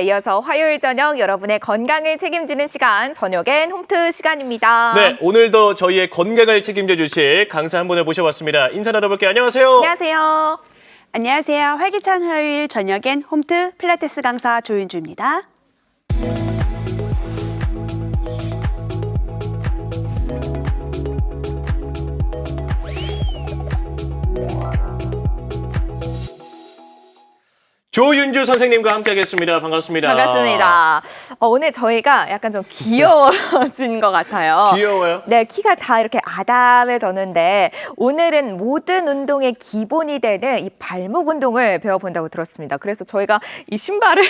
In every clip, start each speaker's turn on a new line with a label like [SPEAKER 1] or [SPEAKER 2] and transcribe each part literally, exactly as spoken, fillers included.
[SPEAKER 1] 네, 이어서 화요일 저녁 여러분의 건강을 책임지는 시간, 저녁엔 홈트 시간입니다.
[SPEAKER 2] 네, 오늘도 저희의 건강을 책임져 주실 강사 한 분을 모셔봤습니다. 인사 나눠볼게요. 안녕하세요.
[SPEAKER 1] 안녕하세요.
[SPEAKER 3] 안녕하세요. 활기찬 화요일 저녁엔 홈트 필라테스 강사 조윤주입니다.
[SPEAKER 2] 조윤주 선생님과 함께하겠습니다. 반갑습니다.
[SPEAKER 1] 반갑습니다. 어, 오늘 저희가 약간 좀 귀여워진 것 같아요.
[SPEAKER 2] 귀여워요?
[SPEAKER 1] 네, 키가 다 이렇게 아담해졌는데 오늘은 모든 운동의 기본이 되는 이 발목 운동을 배워본다고 들었습니다. 그래서 저희가 이 신발을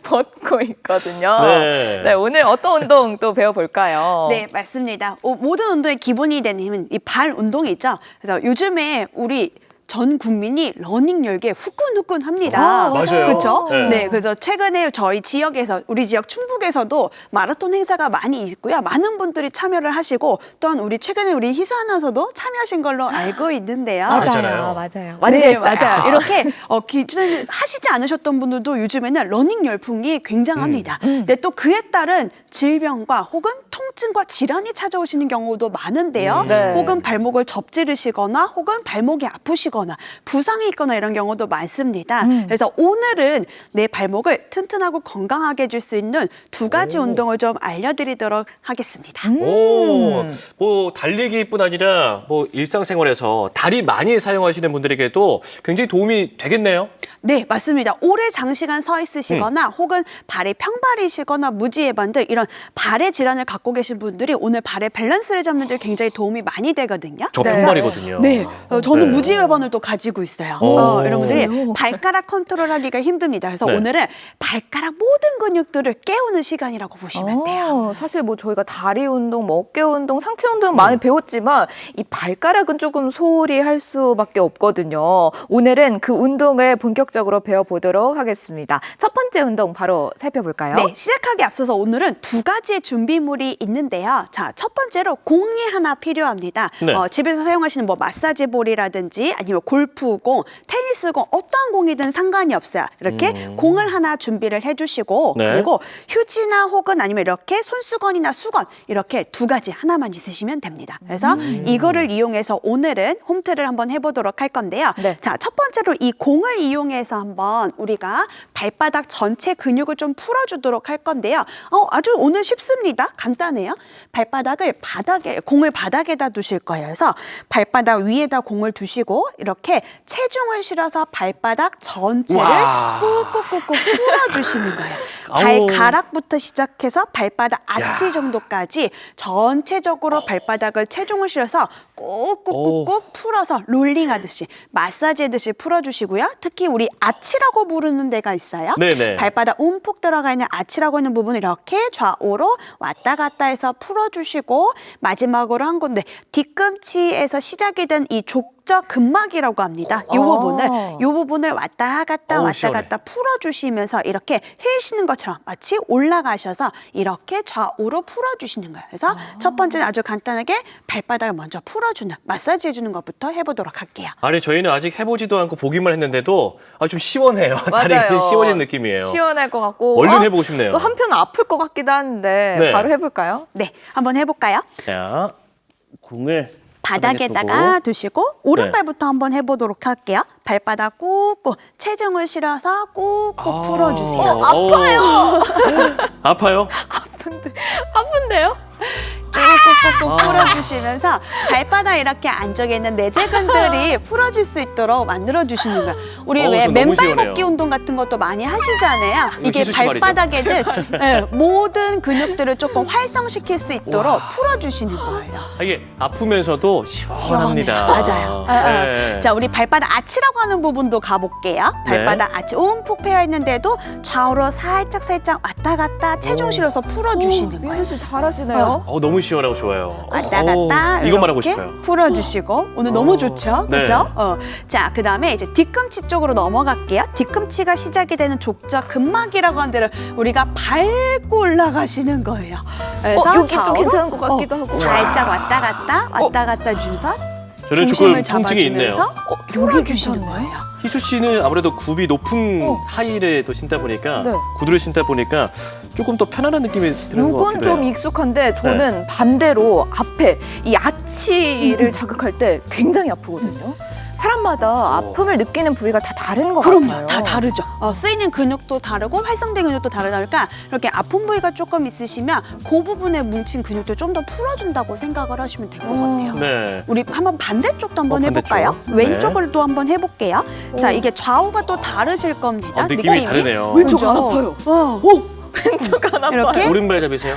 [SPEAKER 1] 벗고 있거든요.
[SPEAKER 2] 네.
[SPEAKER 1] 네, 오늘 어떤 운동 또 배워볼까요?
[SPEAKER 3] 네, 맞습니다. 오, 모든 운동의 기본이 되는 이 발 운동이 있죠. 그래서 요즘에 우리 전 국민이 러닝 열기에 후끈후끈합니다.
[SPEAKER 1] 아,
[SPEAKER 2] 맞아요.
[SPEAKER 3] 그렇죠?
[SPEAKER 2] 네.
[SPEAKER 3] 네, 그래서 최근에 저희 지역에서 우리 지역 충북에서도 마라톤 행사가 많이 있고요. 많은 분들이 참여를 하시고 또한 우리 최근에 우리 희수 아나운서도 참여하신 걸로 알고 있는데요.
[SPEAKER 1] 맞아요,
[SPEAKER 2] 그랬잖아요.
[SPEAKER 1] 맞아요. 완전
[SPEAKER 3] 네,
[SPEAKER 1] 했어요.
[SPEAKER 3] 맞아요. 이렇게 어, 기존에 하시지 않으셨던 분들도 요즘에는 러닝 열풍이 굉장합니다.
[SPEAKER 1] 음.
[SPEAKER 3] 근데 또 그에 따른 질병과 혹은 통증과 질환이 찾아오시는 경우도 많은데요.
[SPEAKER 2] 음.
[SPEAKER 1] 네.
[SPEAKER 3] 혹은 발목을 접지르시거나 혹은 발목이 아프시거나 부상이 있거나 이런 경우도 많습니다.
[SPEAKER 1] 음.
[SPEAKER 3] 그래서 오늘은 내 발목을 튼튼하고 건강하게 해줄 수 있는 두 가지
[SPEAKER 2] 오.
[SPEAKER 3] 운동을 좀 알려드리도록 하겠습니다.
[SPEAKER 1] 음.
[SPEAKER 2] 오, 뭐 달리기뿐 아니라 뭐 일상생활에서 다리 많이 사용하시는 분들에게도 굉장히 도움이 되겠네요.
[SPEAKER 3] 네, 맞습니다. 오래 장시간 서 있으시거나 혹은 발이 평발이시거나 무지해반 등 이런 발의 질환을 갖고 계신 분들이 오늘 발의 밸런스를 잡는 데 굉장히 도움이 많이 되거든요.
[SPEAKER 2] 저
[SPEAKER 1] 네.
[SPEAKER 2] 평발이거든요.
[SPEAKER 3] 네, 어, 저는
[SPEAKER 2] 네.
[SPEAKER 3] 무지외반을 또 가지고 있어요.
[SPEAKER 2] 오.
[SPEAKER 3] 어, 여러분들이
[SPEAKER 1] 오.
[SPEAKER 3] 발가락 컨트롤하기가 힘듭니다. 그래서
[SPEAKER 2] 네.
[SPEAKER 3] 오늘은 발가락 모든 근육들을 깨우는 시간이라고 보시면 돼요.
[SPEAKER 1] 어, 사실 뭐 저희가 다리 운동, 뭐 어깨 운동, 상체 운동 많이 배웠지만 이 발가락은 조금 소홀히 할 수밖에 없거든요. 오늘은 그 운동을 본격적으로 배워보도록 하겠습니다. 첫 번째 운동 바로 살펴볼까요?
[SPEAKER 3] 네, 시작하기 앞서서 오늘은 두 가지의 준비물이 있는데요. 자, 첫 번째로 공이 하나 필요합니다.
[SPEAKER 2] 네.
[SPEAKER 3] 어, 집에서 사용하시는 뭐 마사지 볼이라든지 아니면 골프공, 테니스공 어떠한 공이든 상관이 없어요. 이렇게
[SPEAKER 2] 음.
[SPEAKER 3] 공을 하나 준비를 해주시고
[SPEAKER 2] 네.
[SPEAKER 3] 그리고 휴지나 혹은 아니면 이렇게 손수건이나 수건 이렇게 두 가지 하나만 있으시면 됩니다. 그래서
[SPEAKER 2] 음.
[SPEAKER 3] 이거를 이용해서 오늘은 홈트를 한번 해보도록 할 건데요.
[SPEAKER 1] 네.
[SPEAKER 3] 자, 첫 번째로 이 공을 이용해서 한번 우리가 발바닥 전체 근육을 좀 풀어주도록 할 건데요. 어, 아주 오늘 쉽습니다. 간단해요. 발바닥을 바닥에, 공을 바닥에다 두실 거예요. 그래서 발바닥 위에다 공을 두시고 이렇게 체중을 실어서 발바닥 전체를
[SPEAKER 2] 와.
[SPEAKER 3] 꾹꾹꾹꾹 풀어주시는 거예요.
[SPEAKER 2] 아우.
[SPEAKER 3] 발가락부터 시작해서 발바닥 아치
[SPEAKER 2] 야.
[SPEAKER 3] 정도까지 전체적으로 발바닥을 체중을 실어서 꾹꾹꾹꾹 풀어서 롤링하듯이 마사지하듯이 풀어주시고요. 특히 우리 아치라고 부르는 데가 있어요.
[SPEAKER 2] 네네.
[SPEAKER 3] 발바닥 움푹 들어가 있는 아치라고 있는 부분 이렇게 좌우로 왔다 갔다 해서 풀어주시고 마지막으로 한 건데 뒤꿈치에서 시작이 된 이 족저 근막이라고 합니다. 이
[SPEAKER 1] 어.
[SPEAKER 3] 부분을 이 부분을 왔다 갔다
[SPEAKER 2] 어우,
[SPEAKER 3] 왔다
[SPEAKER 2] 시원해.
[SPEAKER 3] 갔다 풀어주시면서 이렇게 힐 쉬는 것처럼 마치 올라가셔서 이렇게 좌우로 풀어주시는 거예요. 그래서
[SPEAKER 1] 아.
[SPEAKER 3] 첫 번째는 아주 간단하게 발바닥을 먼저 풀어주는 마사지 해주는 것부터 해보도록 할게요.
[SPEAKER 2] 아니 저희는 아직 해보지도 않고 보기만 했는데도 아, 좀 시원해요.
[SPEAKER 1] 맞아요.
[SPEAKER 2] 다리가 좀 시원한 느낌이에요.
[SPEAKER 1] 시원할 것 같고
[SPEAKER 2] 얼른
[SPEAKER 1] 어?
[SPEAKER 2] 해보고 싶네요.
[SPEAKER 1] 또 한편 아플 것 같기도 한데
[SPEAKER 2] 네.
[SPEAKER 1] 바로 해볼까요?
[SPEAKER 3] 네, 한번 해볼까요?
[SPEAKER 2] 자, 공을
[SPEAKER 3] 바닥에다가 두시고 오른발부터
[SPEAKER 2] 네.
[SPEAKER 3] 한번 해보도록 할게요. 발바닥 꾹꾹 체중을 실어서 꾹꾹
[SPEAKER 2] 아,
[SPEAKER 3] 풀어주세요.
[SPEAKER 2] 어,
[SPEAKER 1] 아파요.
[SPEAKER 2] 아파요?
[SPEAKER 1] 아픈데, 아픈데요?
[SPEAKER 3] 꾹꾹꾹꾹
[SPEAKER 2] 아.
[SPEAKER 3] 풀어주시면서 발바닥 이렇게 안쪽에 있는 내재근들이 풀어질 수 있도록 만들어주시는 거예요. 우리
[SPEAKER 2] 어우,
[SPEAKER 3] 왜
[SPEAKER 2] 저 너무
[SPEAKER 3] 맨발
[SPEAKER 2] 시원해요.
[SPEAKER 3] 걷기 운동 같은 것도 많이 하시잖아요.
[SPEAKER 2] 이거
[SPEAKER 3] 이게
[SPEAKER 2] 기수 씨 말이죠?
[SPEAKER 3] 발바닥에는 예, 모든 근육들을 조금 활성시킬 수 있도록 풀어주시는 거예요.
[SPEAKER 2] 아, 이게 아프면서도 시원합니다.
[SPEAKER 3] 시원해요. 맞아요. 어, 어.
[SPEAKER 2] 네.
[SPEAKER 3] 자, 우리 발바닥 아치라고 하는 부분도 가볼게요. 발바닥 아치 움푹 패여 있는데도 좌우로 살짝 살짝 왔다 갔다 체중
[SPEAKER 2] 오.
[SPEAKER 3] 실어서 풀어주시는 거예요.
[SPEAKER 1] 민수 씨 잘하시네요.
[SPEAKER 2] 어, 너무 시원하고 좋아요.
[SPEAKER 3] 왔다
[SPEAKER 2] 어우,
[SPEAKER 3] 갔다
[SPEAKER 2] 이거 말하고
[SPEAKER 3] 이렇게
[SPEAKER 2] 싶어요.
[SPEAKER 3] 풀어주시고 오늘 너무
[SPEAKER 2] 어.
[SPEAKER 3] 좋죠,
[SPEAKER 2] 네.
[SPEAKER 3] 그렇죠? 어. 자, 그다음에 이제 뒤꿈치 쪽으로 넘어갈게요. 뒤꿈치가 시작이 되는 족저 근막이라고 하는 데를 우리가 밟고 올라가시는 거예요. 그래서
[SPEAKER 1] 어, 여기 또
[SPEAKER 3] 좌우로,
[SPEAKER 1] 괜찮은 것 같기도
[SPEAKER 3] 어,
[SPEAKER 1] 하고.
[SPEAKER 3] 살짝 왔다 갔다 왔다 갔다 주면서
[SPEAKER 2] 저는
[SPEAKER 3] 중심을
[SPEAKER 2] 조금 통증이 있네요.
[SPEAKER 3] 잡아주면서
[SPEAKER 1] 어,
[SPEAKER 3] 풀어주시는
[SPEAKER 1] 괜찮네.
[SPEAKER 3] 거예요.
[SPEAKER 2] 희수 씨는 아무래도 굽이 높은
[SPEAKER 1] 어.
[SPEAKER 2] 하이를 또 신다 보니까
[SPEAKER 1] 네.
[SPEAKER 2] 구두를 신다 보니까 조금 더 편안한 느낌이 드는 것
[SPEAKER 1] 이건
[SPEAKER 2] 같기도 해요.
[SPEAKER 1] 좀 익숙한데 저는 반대로 앞에 이 아치를 자극할 때 굉장히 아프거든요. 사람마다 아픔을 느끼는 부위가 다 다른 것
[SPEAKER 3] 그럼요.
[SPEAKER 1] 같아요.
[SPEAKER 3] 다 다르죠. 어, 쓰이는 근육도 다르고 활성된 근육도 다르다 보니까 이렇게 아픈 부위가 조금 있으시면 그 부분에 뭉친 근육도 좀 더 풀어준다고 생각을 하시면 될 것
[SPEAKER 1] 음.
[SPEAKER 3] 같아요.
[SPEAKER 2] 네.
[SPEAKER 3] 우리 한번 반대쪽도 한번
[SPEAKER 2] 어,
[SPEAKER 3] 해볼까요?
[SPEAKER 2] 반대쪽.
[SPEAKER 3] 왼쪽을 또 한번 해볼게요. 자,
[SPEAKER 1] 오.
[SPEAKER 3] 이게 좌우가 또 다르실 겁니다.
[SPEAKER 2] 아, 느낌이 다르네요.
[SPEAKER 1] 왼쪽
[SPEAKER 3] 그죠?
[SPEAKER 1] 안 아파요.
[SPEAKER 3] 어,
[SPEAKER 1] 오! 왼쪽 안 아파요.
[SPEAKER 3] 이렇게?
[SPEAKER 2] 오른발 잡이세요?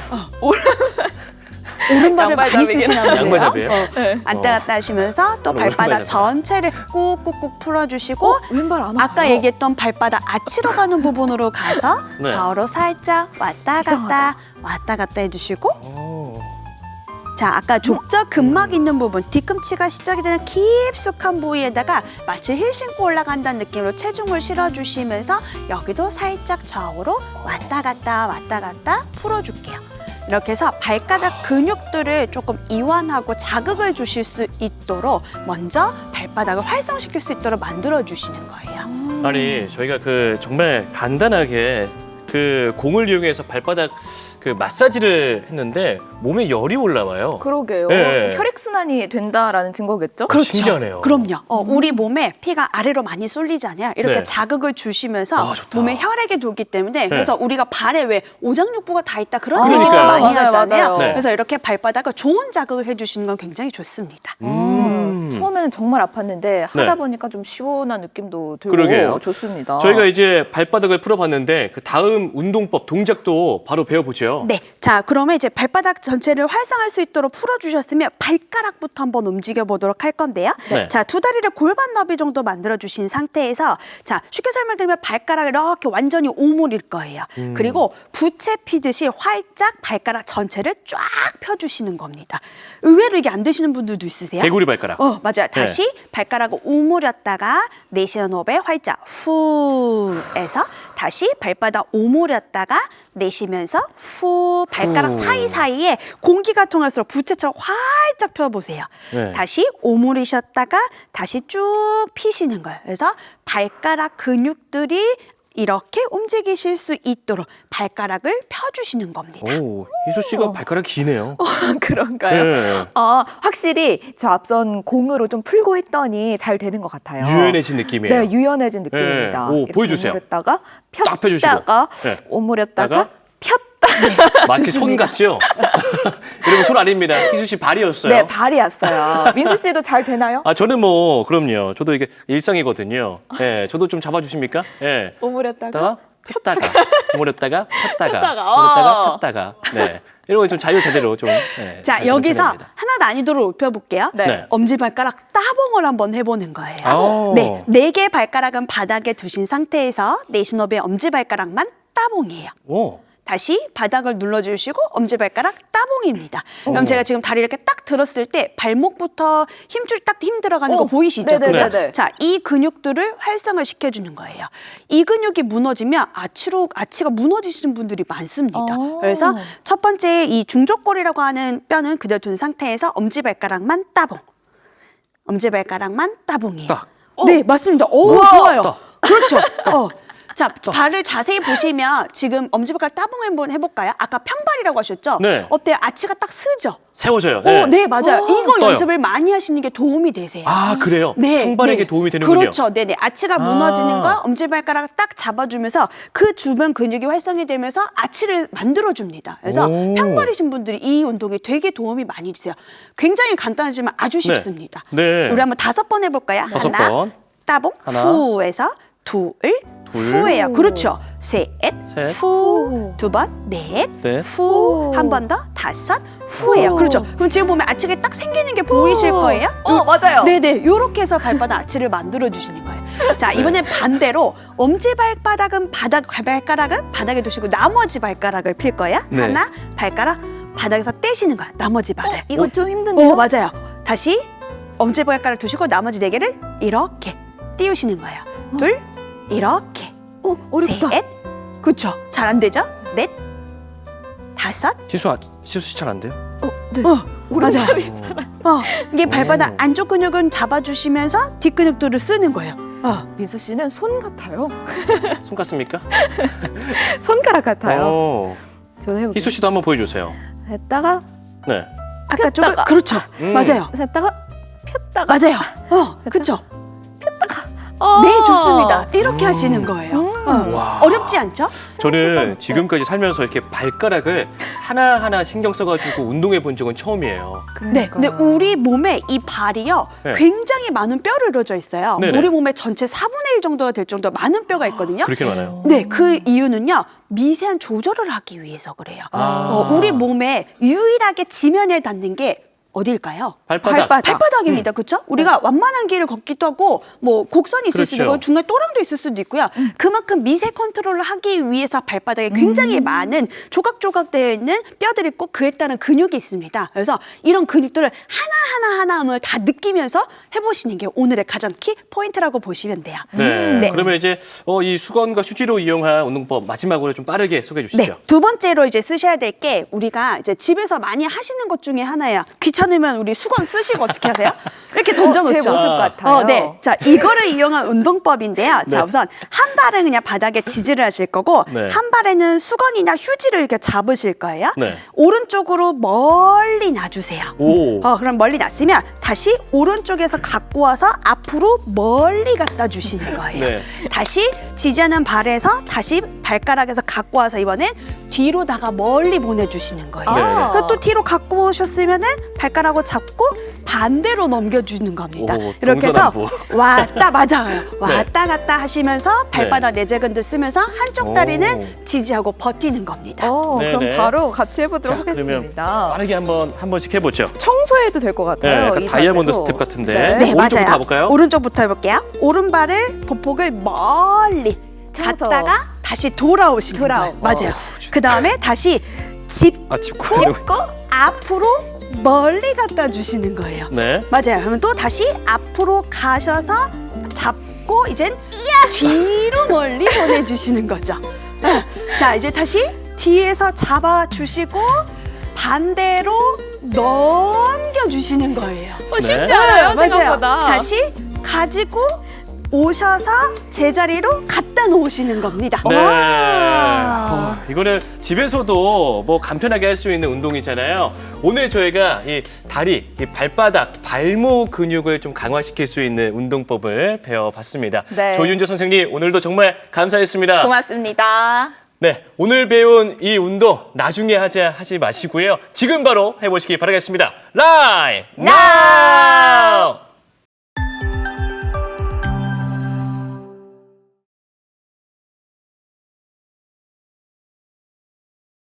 [SPEAKER 3] 오른발을
[SPEAKER 1] 양발
[SPEAKER 3] 많이
[SPEAKER 1] 잡이긴
[SPEAKER 3] 쓰시나 보네요.
[SPEAKER 2] 양발 잡이에요?
[SPEAKER 3] 어,
[SPEAKER 1] 네.
[SPEAKER 3] 왔다 갔다 하시면서 또
[SPEAKER 2] 저는 오른발
[SPEAKER 3] 발바닥
[SPEAKER 2] 잡아요.
[SPEAKER 3] 전체를 꾹꾹꾹 풀어주시고
[SPEAKER 1] 왼발 안 아파요.
[SPEAKER 3] 아까 얘기했던 발바닥 아치로 가는 부분으로 가서
[SPEAKER 2] 네.
[SPEAKER 3] 좌우로 살짝 왔다 갔다
[SPEAKER 1] 이상하다.
[SPEAKER 3] 왔다 갔다 해주시고
[SPEAKER 2] 오.
[SPEAKER 3] 자 아까 족저 근막 있는 부분 뒤꿈치가 시작이 되는 깊숙한 부위에다가 마치 힐 신고 올라간다는 느낌으로 체중을 실어주시면서 여기도 살짝 좌우로 왔다 갔다 왔다 갔다 풀어줄게요. 이렇게 해서 발가락 근육들을 조금 이완하고 자극을 주실 수 있도록 먼저 발바닥을 활성시킬 수 있도록 만들어 주시는 거예요.
[SPEAKER 2] 아니 저희가 그 정말 간단하게 그 공을 이용해서 발바닥 그 마사지를 했는데 몸에 열이 올라와요.
[SPEAKER 1] 그러게요.
[SPEAKER 2] 네.
[SPEAKER 1] 혈액순환이 된다라는 증거겠죠?
[SPEAKER 2] 그렇죠. 신기하네요.
[SPEAKER 3] 그럼요. 어, 우리 몸에 피가 아래로 많이 쏠리잖아요. 이렇게
[SPEAKER 2] 네.
[SPEAKER 3] 자극을 주시면서
[SPEAKER 2] 아, 좋다.
[SPEAKER 3] 몸에 혈액이 돌기 때문에 그래서 우리가 발에 왜 오장육부가 다 있다 그런
[SPEAKER 2] 아,
[SPEAKER 3] 얘기를
[SPEAKER 2] 그러니까요.
[SPEAKER 3] 많이
[SPEAKER 1] 맞아요,
[SPEAKER 3] 하잖아요.
[SPEAKER 1] 맞아요.
[SPEAKER 2] 네.
[SPEAKER 3] 그래서 이렇게 발바닥을 좋은 자극을 해주시는 건 굉장히 좋습니다.
[SPEAKER 2] 음.
[SPEAKER 1] 처음에는 정말 아팠는데 하다
[SPEAKER 2] 네.
[SPEAKER 1] 보니까 좀 시원한 느낌도 들고
[SPEAKER 2] 그러게요.
[SPEAKER 1] 좋습니다.
[SPEAKER 2] 저희가 이제 발바닥을 풀어봤는데 그 다음 운동법 동작도 바로 배워보죠.
[SPEAKER 3] 네, 자 그러면 이제 발바닥 전체를 활성할 수 있도록 풀어주셨으면 발가락부터 한번 움직여 보도록 할 건데요.
[SPEAKER 2] 네.
[SPEAKER 3] 자 두 다리를 골반 너비 정도 만들어 주신 상태에서 자 쉽게 설명드리면 발가락을 이렇게 완전히 오므릴 거예요.
[SPEAKER 2] 음.
[SPEAKER 3] 그리고 부채 피듯이 활짝 발가락 전체를 쫙 펴주시는 겁니다. 의외로 이게 안 되시는 분들도 있으세요?
[SPEAKER 2] 개구리 발가락.
[SPEAKER 3] 어 맞아요. 다시 발가락을 오므렸다가 내쉬는 호흡에 활짝 후에서 다시 발바닥 오므렸다가 내쉬면서 후 발가락
[SPEAKER 2] 후.
[SPEAKER 3] 사이사이에 공기가 통할수록 부채처럼 활짝 펴보세요.
[SPEAKER 2] 네.
[SPEAKER 3] 다시 오므리셨다가 다시 쭉 피시는 거예요. 그래서 발가락 근육들이 이렇게 움직이실 수 있도록 발가락을 펴주시는 겁니다.
[SPEAKER 2] 오, 희수 씨가 발가락이 기네요.
[SPEAKER 1] 그런가요?
[SPEAKER 2] 네.
[SPEAKER 1] 아, 확실히 저 앞선 공으로 좀 풀고 했더니 잘 되는 것 같아요.
[SPEAKER 2] 유연해진 느낌이에요.
[SPEAKER 1] 네, 유연해진 느낌입니다.
[SPEAKER 2] 네. 오,
[SPEAKER 1] 이렇게
[SPEAKER 2] 보여주세요.
[SPEAKER 1] 오므렸다가
[SPEAKER 2] 딱 펴주시고.
[SPEAKER 1] 폈다가
[SPEAKER 2] 네.
[SPEAKER 1] 오므렸다가
[SPEAKER 2] 다가
[SPEAKER 1] 폈다.
[SPEAKER 2] 마치 손 같죠? 여러분 손 아닙니다. 희수 씨 발이었어요.
[SPEAKER 1] 네, 발이 왔어요. 민수 씨도 잘 되나요?
[SPEAKER 2] 아 저는 뭐 그럼요. 저도 이게 일상이거든요. 예, 저도 좀 잡아주십니까? 예.
[SPEAKER 1] 오므렸다가
[SPEAKER 2] 폈다가 폈다가 오므렸다가 폈다가
[SPEAKER 1] 폈다가,
[SPEAKER 2] 오므렸다가
[SPEAKER 1] 어.
[SPEAKER 2] 폈다가 네 이런 거 좀 자유 자대로 좀. 예,
[SPEAKER 3] 자
[SPEAKER 2] 하시면
[SPEAKER 3] 여기서
[SPEAKER 2] 편합니다.
[SPEAKER 3] 하나 난이도를 높여볼게요.
[SPEAKER 1] 네.
[SPEAKER 2] 네.
[SPEAKER 3] 엄지발가락 따봉을 한번 해보는 거예요.
[SPEAKER 2] 아.
[SPEAKER 3] 네, 네 개 발가락은 바닥에 두신 상태에서 내신호의 엄지발가락만 따봉이에요.
[SPEAKER 2] 오.
[SPEAKER 3] 다시 바닥을 눌러주시고 엄지발가락 따봉입니다. 그럼 제가 지금 다리 이렇게 딱 들었을 때 발목부터 힘줄 딱 힘 들어가는 거
[SPEAKER 1] 어,
[SPEAKER 3] 보이시죠?
[SPEAKER 1] 네네네네.
[SPEAKER 3] 그죠? 자, 이 근육들을 활성을 시켜주는 거예요. 이 근육이 무너지면 아치로 아치가 무너지시는 분들이 많습니다.
[SPEAKER 1] 어.
[SPEAKER 3] 그래서 첫 번째 이 중족골이라고 하는 뼈는 그대로 둔 상태에서 엄지발가락만 따봉. 엄지발가락만 따봉이에요.
[SPEAKER 2] 딱.
[SPEAKER 3] 네, 맞습니다. 오,
[SPEAKER 1] 우와.
[SPEAKER 3] 좋아요.
[SPEAKER 2] 딱.
[SPEAKER 3] 그렇죠. 어. 자, 발을 자세히 보시면 지금 엄지발가락 따봉 한번 해볼까요? 아까 평발이라고 하셨죠?
[SPEAKER 2] 네.
[SPEAKER 3] 어때요? 아치가 딱 쓰죠?
[SPEAKER 2] 세워져요.
[SPEAKER 3] 오, 네, 맞아요.
[SPEAKER 1] 어,
[SPEAKER 3] 이거
[SPEAKER 2] 떠요.
[SPEAKER 3] 연습을 많이 하시는 게 도움이 되세요.
[SPEAKER 2] 아 그래요?
[SPEAKER 3] 네,
[SPEAKER 2] 평발에게
[SPEAKER 3] 네.
[SPEAKER 2] 도움이 되는군요.
[SPEAKER 3] 그렇죠. 네네. 아치가
[SPEAKER 2] 아.
[SPEAKER 3] 무너지는 거 엄지발가락 딱 잡아주면서 그 주변 근육이 활성이 되면서 아치를 만들어줍니다. 그래서
[SPEAKER 2] 오.
[SPEAKER 3] 평발이신 분들이 이 운동에 되게 도움이 많이 되세요. 굉장히 간단하지만 아주 쉽습니다.
[SPEAKER 2] 네.
[SPEAKER 3] 우리 한번 다섯 번 해볼까요?
[SPEAKER 2] 다섯
[SPEAKER 3] 하나,
[SPEAKER 2] 번.
[SPEAKER 3] 따봉,
[SPEAKER 2] 하나.
[SPEAKER 3] 후에서 둘,
[SPEAKER 2] 둘.
[SPEAKER 3] 후예요. 그렇죠. 셋,
[SPEAKER 2] 셋.
[SPEAKER 3] 후, 두 번, 넷,
[SPEAKER 2] 넷.
[SPEAKER 3] 후, 한 번 더, 다섯, 후예요.
[SPEAKER 1] 후.
[SPEAKER 3] 그렇죠. 그럼 지금 보면 아치가 딱 생기는 게 보이실 거예요?
[SPEAKER 1] 어, 맞아요.
[SPEAKER 3] 네네, 요렇게 해서 발바닥 아치를 만들어 주시는 거예요. 자, 이번엔 반대로 엄지 발바닥은 바닥, 발가락은 바닥에 두시고 나머지 발가락을 필 거예요.
[SPEAKER 2] 네.
[SPEAKER 3] 하나, 발가락 바닥에서 떼시는 거야. 나머지 발을.
[SPEAKER 1] 이거 좀 힘든데요?
[SPEAKER 3] 어, 맞아요. 다시 엄지 발가락 두시고 나머지 네 개를 이렇게 띄우시는 거예요. 둘, 이렇게.
[SPEAKER 1] 어, 어렵다.
[SPEAKER 3] 셋, 그쵸. 잘 안 되죠? 넷, 다섯,
[SPEAKER 2] 희수 아, 희수 씨 잘 안 돼요?
[SPEAKER 1] 어, 네.
[SPEAKER 3] 어, 맞아요.
[SPEAKER 1] 오른발이 잘 안-
[SPEAKER 3] 어, 이게 발바닥
[SPEAKER 2] 오.
[SPEAKER 3] 안쪽 근육은 잡아주시면서 뒷 근육들을 쓰는 거예요. 어.
[SPEAKER 1] 민수 씨는 손 같아요.
[SPEAKER 2] 손 같습니까?
[SPEAKER 1] 손가락 같아요.
[SPEAKER 2] 어.
[SPEAKER 1] 저도 해볼게요.
[SPEAKER 2] 희수 씨도 한번 보여주세요.
[SPEAKER 1] 했다가
[SPEAKER 2] 네.
[SPEAKER 3] 아까 쪽을
[SPEAKER 1] 폈다가.
[SPEAKER 3] 그렇죠.
[SPEAKER 2] 음.
[SPEAKER 3] 맞아요.
[SPEAKER 1] 했다가 폈다가.
[SPEAKER 3] 맞아요. 어, 그렇죠.
[SPEAKER 1] 어.
[SPEAKER 3] 네, 좋습니다. 이렇게
[SPEAKER 2] 음.
[SPEAKER 3] 하시는 거예요.
[SPEAKER 1] 음.
[SPEAKER 3] 어.
[SPEAKER 2] 와.
[SPEAKER 3] 어렵지 않죠?
[SPEAKER 2] 저는 지금까지 살면서 이렇게 발가락을 하나하나 신경 써가지고 운동해 본 적은 처음이에요.
[SPEAKER 3] 네, 근데
[SPEAKER 1] 그러니까요.
[SPEAKER 3] 우리 몸에 이 발이요
[SPEAKER 2] 네.
[SPEAKER 3] 굉장히 많은 뼈로 이루어져 있어요.
[SPEAKER 2] 네네.
[SPEAKER 3] 우리 몸의 전체 사분의 일 정도가 될 정도로 많은 뼈가 있거든요.
[SPEAKER 2] 그렇게 많아요.
[SPEAKER 3] 네, 그 이유는요 미세한 조절을 하기 위해서 그래요.
[SPEAKER 2] 아.
[SPEAKER 3] 어, 우리 몸에 유일하게 지면에 닿는 게 어딜까요?
[SPEAKER 2] 발바닥.
[SPEAKER 1] 발바닥.
[SPEAKER 3] 발바닥입니다. 그렇죠? 우리가 완만한 길을 걷기도 하고 뭐 곡선이 있을 수도
[SPEAKER 2] 그렇죠.
[SPEAKER 3] 있고 중간에 또랑도 있을 수도 있고요. 그만큼 미세 컨트롤을 하기 위해서 발바닥에 굉장히 많은 조각조각 되어 있는 뼈들이 있고 그에 따른 근육이 있습니다. 그래서 이런 근육들을 하나하나 하나 오늘 다 느끼면서 해보시는 게 오늘의 가장 키 포인트라고 보시면 돼요.
[SPEAKER 2] 네.
[SPEAKER 3] 네.
[SPEAKER 2] 그러면 이제 어, 이 수건과 휴지로 이용한 운동법 마지막으로 좀 빠르게 소개해
[SPEAKER 3] 네,
[SPEAKER 2] 주시죠.
[SPEAKER 3] 두 번째로 이제 쓰셔야 될 게 우리가 이제 집에서 많이 하시는 것 중에 하나예요. 귀찮으면 우리 수건 쓰시고 어떻게 하세요? 이렇게 던져놓죠.
[SPEAKER 1] 제 모습 같아요.
[SPEAKER 3] 어, 네. 자, 이거를 이용한 운동법인데요. 자,
[SPEAKER 2] 네.
[SPEAKER 3] 우선 한 발은 그냥 바닥에 지지를 하실 거고
[SPEAKER 2] 네.
[SPEAKER 3] 한 발에는 수건이나 휴지를 이렇게 잡으실 거예요.
[SPEAKER 2] 네.
[SPEAKER 3] 오른쪽으로 멀리 놔주세요.
[SPEAKER 2] 오.
[SPEAKER 3] 어, 그럼 멀리 놨으면 다시 오른쪽에서 갖고 와서 앞으로 멀리 갖다 주시는 거예요.
[SPEAKER 2] 네.
[SPEAKER 3] 다시 지지하는 발에서 다시 발가락에서 갖고 와서 이번엔 뒤로다가 멀리 보내주시는 거예요.
[SPEAKER 2] 네.
[SPEAKER 1] 아.
[SPEAKER 3] 그또 뒤로 갖고 오셨으면은 발가락을 잡고 반대로 넘겨주는 겁니다.
[SPEAKER 2] 오,
[SPEAKER 3] 이렇게 해서
[SPEAKER 2] 동서남북.
[SPEAKER 3] 왔다 맞아요. 왔다 갔다 하시면서 발바닥
[SPEAKER 2] 네.
[SPEAKER 3] 내재근들 쓰면서 한쪽
[SPEAKER 2] 오.
[SPEAKER 3] 다리는 지지하고 버티는 겁니다.
[SPEAKER 1] 어,
[SPEAKER 2] 네네.
[SPEAKER 1] 그럼 바로 같이 해보도록
[SPEAKER 2] 자, 그러면
[SPEAKER 1] 하겠습니다.
[SPEAKER 2] 빠르게 한번 한 번씩 해보죠.
[SPEAKER 1] 청소해도 될 것
[SPEAKER 2] 네,
[SPEAKER 1] 같아요.
[SPEAKER 2] 약간
[SPEAKER 1] 이
[SPEAKER 2] 다이아몬드
[SPEAKER 1] 자세도.
[SPEAKER 2] 스텝 같은데.
[SPEAKER 1] 네.
[SPEAKER 3] 네,
[SPEAKER 2] 오른쪽부터
[SPEAKER 3] 맞아요.
[SPEAKER 2] 가볼까요?
[SPEAKER 3] 오른쪽부터 해볼게요. 오른발을 보폭을 멀리
[SPEAKER 1] 청소.
[SPEAKER 3] 갔다가 다시 돌아오시는
[SPEAKER 1] 돌아오-
[SPEAKER 3] 거예요. 맞아요.
[SPEAKER 2] 어.
[SPEAKER 3] 그 다음에 다시 짚고
[SPEAKER 2] 아, 짚고.
[SPEAKER 3] 앞으로 멀리 갖다 주시는 거예요.
[SPEAKER 2] 네.
[SPEAKER 3] 맞아요. 그러면 또 다시 앞으로 가셔서 잡고 이젠 뒤로 멀리 보내주시는 거죠. 네. 자, 이제 다시 뒤에서 잡아주시고 반대로 넘겨주시는 거예요.
[SPEAKER 1] 어, 쉽지
[SPEAKER 2] 네.
[SPEAKER 1] 않아요,
[SPEAKER 3] 맞아요.
[SPEAKER 1] 생각보다.
[SPEAKER 3] 다시 가지고 오셔서 제자리로 갖다 놓으시는 겁니다.
[SPEAKER 2] 네.
[SPEAKER 1] 와.
[SPEAKER 2] 어, 이거는 집에서도 뭐 간편하게 할 수 있는 운동이잖아요. 오늘 저희가 이 다리, 이 발바닥, 발목 근육을 좀 강화시킬 수 있는 운동법을 배워봤습니다.
[SPEAKER 1] 네.
[SPEAKER 2] 조윤주 선생님, 오늘도 정말 감사했습니다.
[SPEAKER 1] 고맙습니다.
[SPEAKER 2] 네, 오늘 배운 이 운동 나중에 하자 하지 마시고요. 지금 바로 해보시기 바라겠습니다. 라이
[SPEAKER 1] now!